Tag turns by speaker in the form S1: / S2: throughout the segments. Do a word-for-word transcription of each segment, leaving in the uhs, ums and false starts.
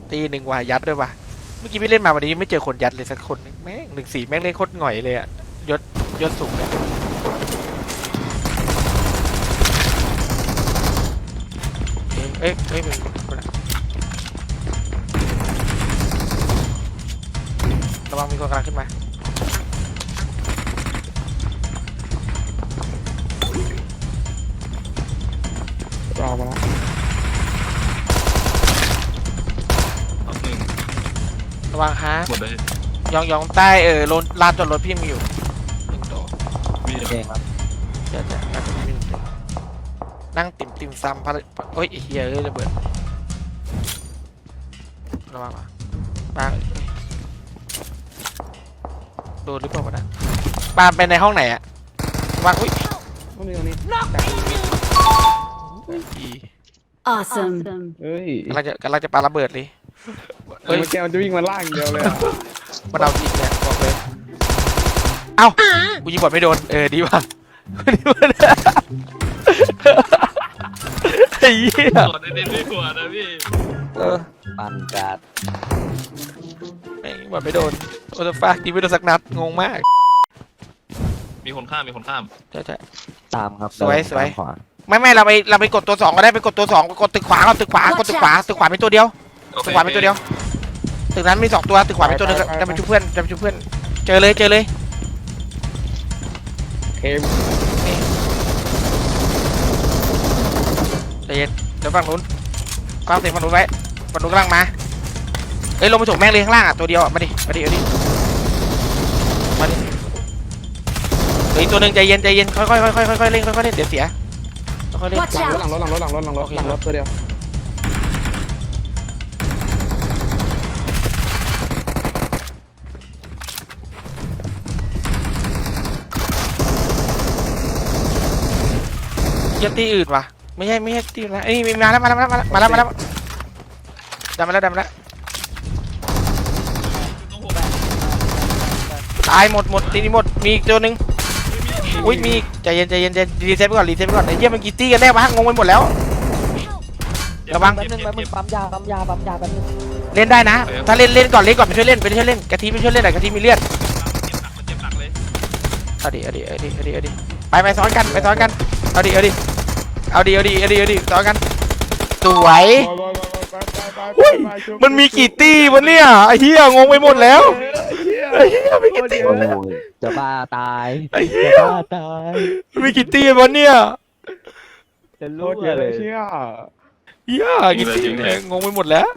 S1: ตีหนึ่งว่ะยัดด้วยว่ะเมื่อกี้พี่เล่นมาวันนี้ไม่เจอคนยัดเลยสักคนแม่งหนึ่งสี่แม่งเล่นโคตรหง่อยเลยอะยศยศสูงเลยเอ้ยเอ้ยเป็นระวังมีคนกำลังขึ้นมา
S2: รอมาแล้ว
S1: ระวังฮะ
S3: หมดเลย
S1: ยองยองใต้เออลนลานจอดรถพี่มีอยู่หนึ่งตัว
S3: มีเองครับ
S1: เดี๋ยวจะนั่งมีหนึ่งตัวนั่งติ่มติ่มซ้ำพะโอ้ยเฮียเอ้ยระเบิดระวังอ่ะปาโดนหรือเปล่าวะนะปาไปในห้องไหนอะวางอุ้ย
S2: ตรงนี้ตรงนี้
S4: Awesome.
S2: เฮ้ย
S1: กำลังจะกำลังจะปาระเบิดเลย
S2: เฮ้ยแกมันจะวิ่งมาล่างเดียวเลย
S1: มันเอาจริงเนี่ยบอกเลยเอ้ากูยิงบอลไม่โดนเออดีว่ะดีว่ะไอ้เหี้ย
S3: กดเน้นๆไม่กลัวนะพี่
S1: เออ
S5: ปันจัด
S1: แม่งบอลไม่โดนโอ้ยฟ้ายิงไม่โดนสักนัดงงมาก
S3: มีคนข้ามมีคนข้าม
S1: ใช่ใช่
S5: ตามครับ
S1: สวยสวย
S5: ตามขวา
S1: ไม่ไม่เราไปเราไปกดตัวสองก็ได้ไปกดตัวสองกดตึกขวาเอาตึกขวากดตึกขวาตึกขวาเป็นตัวเดียว
S3: โอเค
S1: ตึกขวาเป็นตัวเดียวตึกนั้นมีสองตัวตึกขวาเป็นตัวหนึงจะไปช่วยเพื่อนจะไปช่วยเพื่อนเจอเลยเจอเลย
S2: เคม
S1: ใจเย็นเดี๋ยวฝั่งนู้นฟังเสียงฝั่งนู้นไว้ฝั่งนู้นกำลังมาเอ้ยลงไปถกแม่งเลยข้างล่างอ่ะตัวเดียวอ่ะมาดิมาดิมาดิมาดิเฮ้ยตัวหนึ่งใจเย็นใจเย็นค่อยค่อยค่อยค่อยค่อยเล่นค่อยค่อยเล่นเดี๋ยวเสียค่อยเล่น
S4: Watch
S2: หลังรถ
S4: out.
S2: หลังรถหลังรถหลังรถหลังรถหลังรถตัวเดียว
S1: เยี่ยมตีอื่นว่ะไม่ใช่ไม่ใช่ตีนะเอ้ยมีมาแล้วมาแล้วมาแล้วมาแล้วมาแล้วดันมาแล้วดันมาแล้วตายหมดหมดทีนี้หมดมีอีกตัวหนึ่งอุ้ยมีอีกใจเย็นใจเย็นใจรีเซ็ตไปก่อนรีเซ็ตไปก่อนไอ้เยี่ยมันกี่ตีกันแน่วะงงไปหมดแล้วระวัง
S5: แป๊บนึงแป๊บนึงปั๊มยาปั๊มยาปั๊มยาแป๊บนึง
S1: เล่นได้นะถ้าเล่นเล่นก่อนเล่นก่อนไปช่วยเล่นไปช่วยเล่นกะทิไปช่วยเล่นหน่อยกะทิมีเลือด
S3: มันเจ็บหนักเลย
S1: เอาดิเอาดิเอาดิเอาดิเอาดิไปไปซ้อนกันไปซ้อนกันเอาดิเอาดิเอาดิเอาดิเอาดิเอาดิซ้อนกันสวยอุ้ยมันมีกี่ตีวะเนี่ยไอ้เหี้ยงงไปหมดแล้วไอ้เหี้ยมีกี่ตี
S5: โอ้ยจะบ้าตาย
S1: ไอ้เหี้ย
S5: จะบ้าตาย
S1: มีกี่ตีวะเนี่ย
S5: จะ
S2: โค
S5: รู้
S2: ตรเยอะ
S5: เล
S2: เลย ยเชี่ย
S1: เหี้ยกี่ตีเนี่ยงงไปหมดแล้ว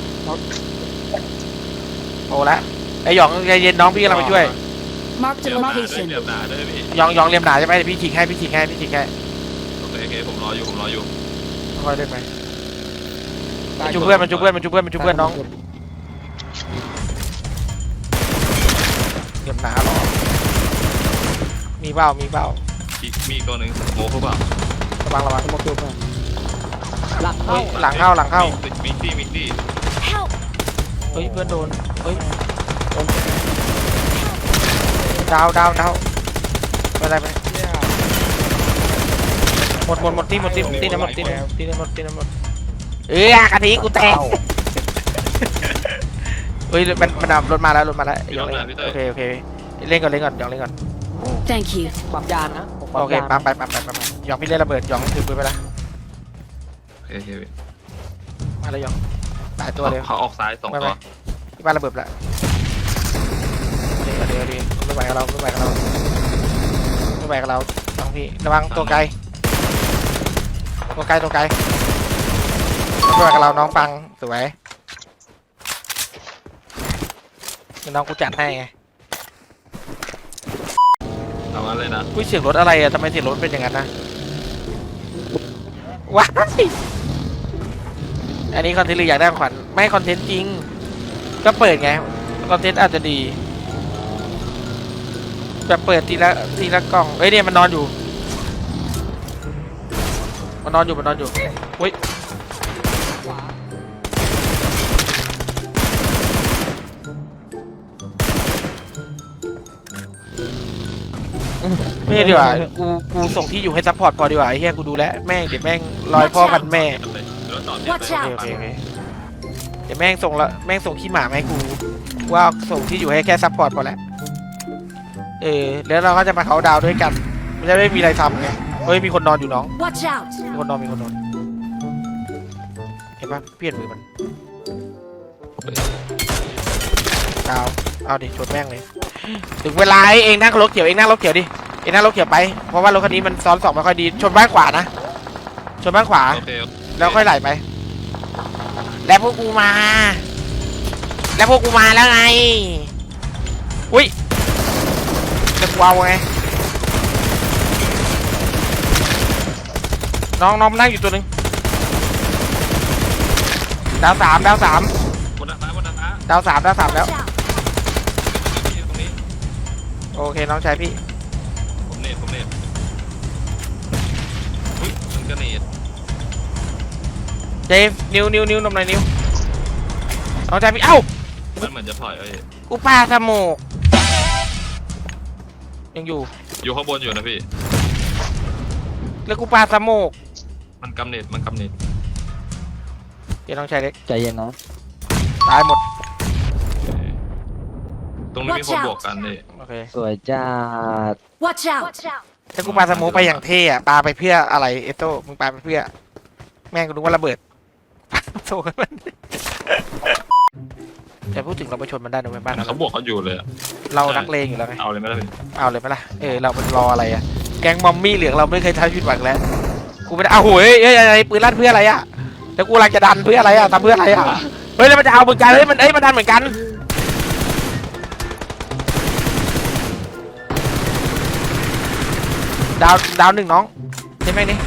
S1: โอ้ละไอ้หยองใจเย็นน้องพี่กำลังไปช่วย
S4: Marked
S3: เดี๋
S4: a
S3: ยวหนาด้วย
S4: location.
S3: เดี๋ยวหนาด้วยพี่
S1: หยองหยองเลียมหนาใช่ไหมเดี๋ยวพี่ฉีกให้พี่ฉีกให้พี่ฉีกให้
S3: โอเคโอเคผมรออยู่ผมรออยู่
S1: ค่อยเล่นไปมันชุบเพื่อนมันชุบเพื่อนมันชุบเพื่อนมันชุบเพื่อนน้องเลียมหนาหรอมีเบ้ามีเบ้า
S3: อีกมีอีกตัวหนึ่งโง่เขาเปล่า
S1: ระวังระวัง
S2: มาเกี่ยวกัน
S5: หลัง
S1: เฮ้
S5: เข้าย
S1: หลังเข้าหลังเข้า
S3: มิกตี้มิกตี้
S4: Help.
S1: เฮ้ยเพื่อนโดนเฮ้ยดาวดาวดาวไปอะไรไปหมดหมดหมดที่หมดที่ที่น้ำหมดที่น้ำที่น้ำหมดที่น้ำหมดเอ้ยกะทิกูแตกเฮ้ยมันมันดับรถมาแล้วรถมาแล้วยองเล่นโอเคโอเคเล่นก่อนเล่นก่อนยองเล่นก่อน
S4: Thank you.
S5: ปั๊มยานะผม
S1: โอเค
S5: ยา
S1: ปั๊มไปปั๊มไปปั๊มไปยองพี่เล่นระเบิดยองถือปืนไปละ
S3: โอเคโอเคพี่
S1: มาแล้วยองตายตัวเลย
S3: เขาออกซ้ายสองตัว
S1: ที่บ้านระเบิดละเดี๋ยวเดี๋ยวเดี๋ยวไม่ไหวกับเราไม่ไหวกับเราไม่ไหวกับเราน้องพี่ระวังตัวไกลตัวไกลตัวไกลไม่ไหวกับเราน้องฟังสวยน้องกูจัดให้ไง
S3: เอางั้นเลยนะ
S1: อุ้ยเสียงรถอะไรอะทำไมเสียงรถเป็นอย่างนั้นนะว้ายอันนี้คอนเทนต์หรืออยากได้ของขวัญไม่คอนเทนต์จริงก็เปิดไงคอนเทนต์อาจจะดีแบบเปิดทีละทีละกล่องเอ้ยเนี่ยมันนอนอยู่มันนอนอยู่มันนอนอยู่อุ้ยไม่ดีกว่ากูกูส่งที่อยู่ให้ซัพพอร์ตพอดีกว่าไอ้เหี้ยกูดูแลแม่งเดี๋ยวแม่งลอยพ่อกันแม่
S3: รถจอด
S1: โอ
S3: เนี่ย
S1: เคโอเคโอเคเดี๋ยวแม่งส่งละแม่งส่งขี้หมามาให้กูว่าส่งที่อยู่ให้แค่ซัพพอร์ตพอแล้วเออแล้วเราก็จะมาเขาน์ดาวน์ด้วยกันไม่ได้ไม่มีอะไรทำไงเฮ้ยมีคนนอนอยู่น้อง
S4: Watch out!
S1: มีคนนอนมีคนนอนเห็นปะเปลี่ยนมือมันดาวเอาดิชนแม่งเลยถึงเวลาเองนั่งรถเขียวเองนั่งรถเขียวดิเองนั่งรถเขียวไปเพราะว่ารถคันนี้มันซ้อนสองไม่ค่อยดีชนบ้านขวานะชนบ้านขวา
S3: โอเคโอเค
S1: แล้วค่อยไหลไป แล้วพวกกูมา แล้วพวกกูมาแล้วไง อุ้ยจะกวาวไง น้องน้องนั่งอยู่ตัวหนึ่งดาวสามดาวสาม
S3: บนดาดฟ้าบนดาดฟ้า
S1: ดาวสามดาวสามแล้ว
S4: Watch out!
S3: พี่ตรงนี้
S1: โอเคน้องชายพี่
S3: ผมเนตผมเนตอุ้ยมันก็เนต
S1: เจฟนิ้วนิ้วนิ้วนมหน่อยนิ้วน้องชายพี่เอ้า
S3: มันเหมือนจะถอยเอ้ย
S1: กูปาสโมกยังอยู่
S3: อยู่ข้างบนอยู่นะพี่
S1: แล้วกูปาสโมก
S3: มันกำเนตมันกำเนต
S1: เดี๋ยวน้องชายเล็ก
S5: ใจเย็นนะ
S1: ตายหมด
S3: ตรงนี้มีคนบวกกันนี่
S1: โอเค
S5: สวยจัด
S4: Watch out!
S1: ถ้ากูปาสโมกไปอย่างเท่อะปาไปเพื่ออะไรเอโต้มึงปาไปเพื่อ แม่งกูนึกว่าระเบิด โซ่มันแต่พูดถึงเราไปชนมันได้นะเว้ยบ้านเรา
S3: เขาบวกเขาอยู่เลยอะ
S1: เรานักเลงอยู่แล้วไง
S3: เอาเลยไหมล่ะพี่
S1: เอาเลยไหมล่ะเออเราเป็นรออะไรอะแก๊งมอมมี่เหลืองเราไม่เคยทำผิดหวังแล้วกูไม่ได้เอาโหยเอ้ยอะไรปืนลั่นเพื่ออะไรอะแล้วกูกำลังจะดันเพื่ออะไรอะทำเพื่ออะไรอะเฮ้ยแล้วมันจะเอาเหมือนกันเฮ้ยมันเอ้ยมันดันเหมือนกันดาวดาวหนึ่งน้องใช่ไหมนี่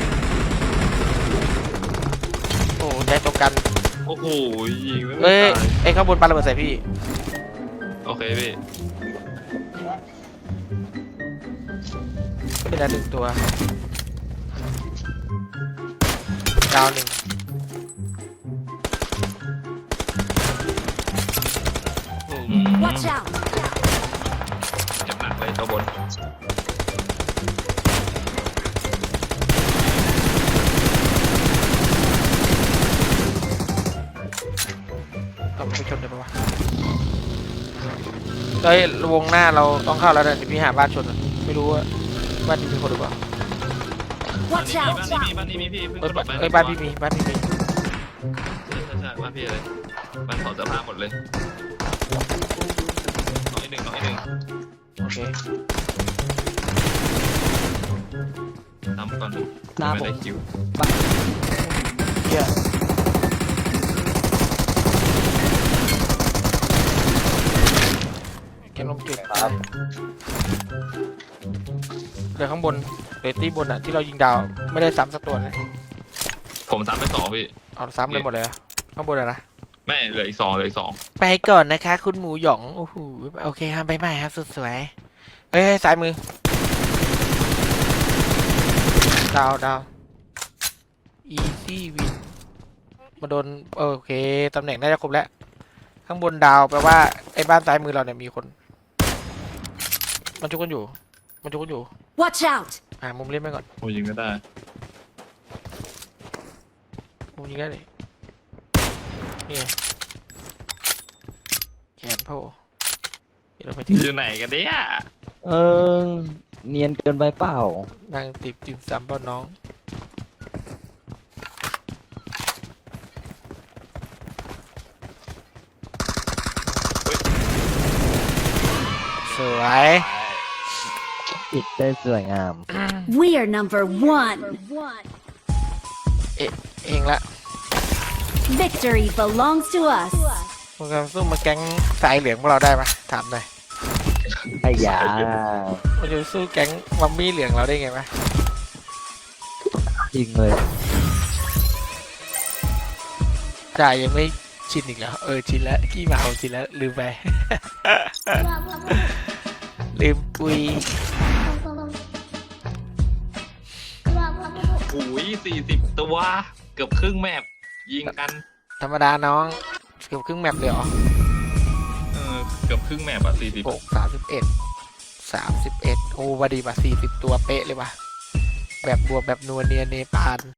S1: โอ้ใจตรงกัน
S3: โอ้โหยิงไม่
S1: เอ้ย
S3: ตาย
S1: ไอ้ข้างบนปาระเบิดใส่พี่
S3: โอเคพี่
S1: เป็นอันหนึ่งตัวดาวหนึ่ง
S4: Watch out!
S3: เจ็บหนักเลยตัวบน
S1: ต้องไปชนเลยปะวะเฮ้ยวงหน้าเราต้องเข้าแล้วนะเดี๋ยวพี่หาบ้านชนอะไม่รู้ว่าบ้านนี้มีคนหรือเปล่า
S3: บ้าน
S4: Watch
S3: นี้
S4: out!
S3: มีบ้านนี้มีบ้านนี้มีพี่เพิ่ง
S1: เอ้ย
S3: กระโด
S1: บ้าน
S3: ดไป
S1: เอ้ยบ้านพี่มีบ้านพี่มี
S3: ใช่ใช่ใช่บ้านพี่เลยบ้านถอดเสื้อผ้าหมดเลยน้องอีกหนึ่งน้องอีกหนึ่ง
S1: โอเค
S3: ทำก่อน
S5: หน้า
S3: ไม่
S5: ผม
S3: ได้คิว
S1: เฮียเกมลมจุดครับเหลือข้างบนเหลือที่บนอ่ะที่เรายิงดาวไม่ได้ซ้ำสักตัวเลย
S3: ผมซ้ำไปสองพี่
S1: เอาซ้ำเลยหมดเลยอะข้างบนอะนะ
S3: ไม่เหลืออีกสองเหลืออีกสอง
S1: ไปก่อนนะคะ คุณหมูหยองโอ้โหโอเคครับบ๊ายบายครับสุดสวยเอ้ยซ้ายมือดาวดาว easy win มาโดนโอเคตำแหน่งน่าจะครบแล้ว ข้างบนดาวแปลว่าไอ้บ้านซ้ายมือเราเนี่ยมีคน มันจุกกันอยู่ มันจุกกันอยู่
S4: Watch out!
S1: อ่ามุมเล่นไปก่อน
S3: โอ้ยิงก็ได้
S1: มุมยิงได้เลยนี่ไงแขนโผล่เดี๋ยวเราไปที่
S3: อยู่ไหนกันเนี่ย
S5: เออเนียนเกินไปเปล่า
S1: นั่งติดติมซ้ำเปล่าน้อง สวย
S5: ปิดได้สวยงาม
S4: We are number one.
S1: เองละ
S4: Victory belongs to us.
S1: มึงจะสู้มาแก๊งสายเหลืองพวกเราได้ปะถามหน่อย
S5: ไอ้ยา
S1: มันจะสู้แก๊งมัมมี่เหลืองเราได้ไงปะ
S5: จริงเลย
S1: จ่ายยังไม่ชินอีกแล้ว เออชินแล้วขี้หมาเอาชินแล้วลืมไป ลืมปุย
S3: โอ้ยสี่สิบตัวเกือบครึ่งแมปยิงกัน
S1: ธรรมดาน้องเกือบครึ่งแมปเลยเหรอ
S3: เออเกือบครึ่งแมปอะสี่สิบ
S1: หกสามสิบเอ็ดสามสิบเอ็ดโอ้บดีป่ะสี่สิบตัวเป๊ะเลยว่ะแบบบวกแบบนัวเนียเนปาล